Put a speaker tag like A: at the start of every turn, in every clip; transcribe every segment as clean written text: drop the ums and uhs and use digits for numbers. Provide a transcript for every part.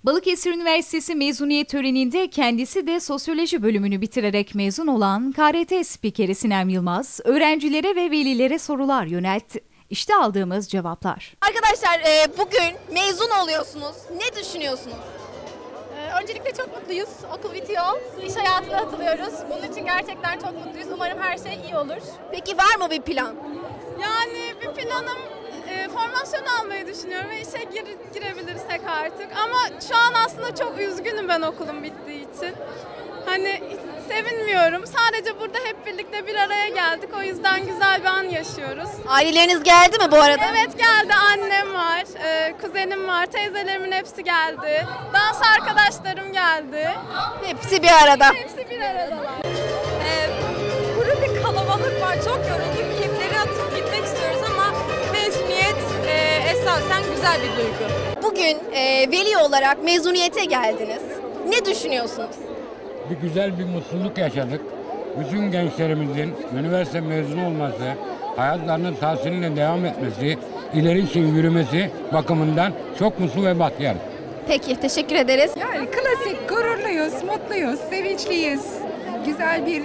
A: Balıkesir Üniversitesi mezuniyet töreninde kendisi de sosyoloji bölümünü bitirerek mezun olan KRT spikeri Sinem Yılmaz, öğrencilere ve velilere sorular yöneltti. İşte aldığımız cevaplar.
B: Arkadaşlar bugün mezun oluyorsunuz. Ne düşünüyorsunuz?
C: Öncelikle çok mutluyuz. Okul bitiyor. İş hayatına atılıyoruz. Bunun için gerçekten çok mutluyuz. Umarım her şey iyi olur.
B: Peki var mı bir plan?
C: Yani bir planım formasyon almayı düşünüyorum ve işe girebilirsek artık. Ama şu an aslında çok üzgünüm ben okulum bittiği için. Hani sevinmiyorum. Sadece burada hep birlikte bir araya geldik. O yüzden güzel bir an yaşıyoruz.
B: Aileleriniz geldi mi bu arada?
C: Evet geldi. Annem var, kuzenim var, teyzelerimin hepsi geldi. Dans arkadaşlarım geldi.
B: Hepsi bir arada.
C: Hepsi bir aradalar.
D: Kuru bir kalabalık var. Çok yorulduk. Kimleri atıp gitmek istiyoruz ama mezuniyet esasen güzel bir duygu.
B: Bugün veli olarak mezuniyete geldiniz. Ne düşünüyorsunuz?
E: Bir güzel bir mutluluk yaşadık. Bütün gençlerimizin üniversite mezunu olması, hayatlarının tahsiline devam etmesi, ileri için yürümesi bakımından çok mutlu ve bahtiyar.
B: Peki, teşekkür ederiz.
F: Yani klasik, gururluyuz, mutluyuz, sevinçliyiz. Güzel bir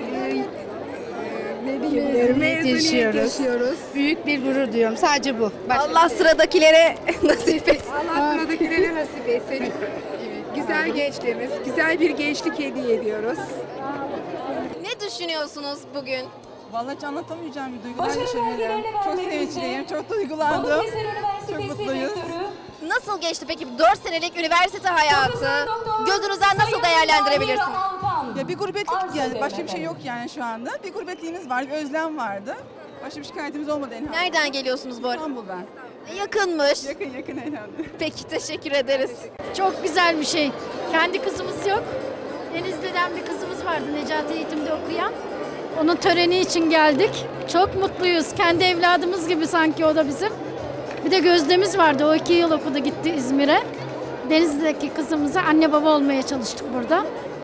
F: mezuniyet yaşıyoruz.
G: Büyük bir gurur duyuyorum. Sadece bu.
B: Allah sıradakilere nasip etsin.
F: Allah sıradakilere nasip etsin. Güzel gençlerimiz, güzel bir gençlik hediye ediyoruz.
B: Ne düşünüyorsunuz bugün?
H: Vallahi hiç anlatamayacağım bir duygular yaşıyorum. Çok sevinçliyim, çok duygulandım. Çok mutluyuz.
B: Nasıl geçti peki 4 senelik üniversite hayatı? Gözünüzden nasıl değerlendirebilirsiniz?
H: Ya bir gurbetlik yani başka bir şey yok yani şu anda. Bir gurbetliğimiz var, bir özlem vardı. Başka bir şikayetimiz olmadı en
B: Nereden geliyorsunuz bu arada?
H: İstanbul'dan.
B: Yakınmış.
H: Yakın herhalde.
B: Peki, teşekkür ederiz.
I: Çok güzel bir şey. Kendi kızımız yok. Denizli'den bir kızımız vardı Necati Eğitim'de okuyan. Onun töreni için geldik. Çok mutluyuz. Kendi evladımız gibi sanki o da bizim. Bir de Gözde'miz vardı. O 2 yıl okudu gitti İzmir'e. Denizli'deki kızımıza anne baba olmaya çalıştık burada.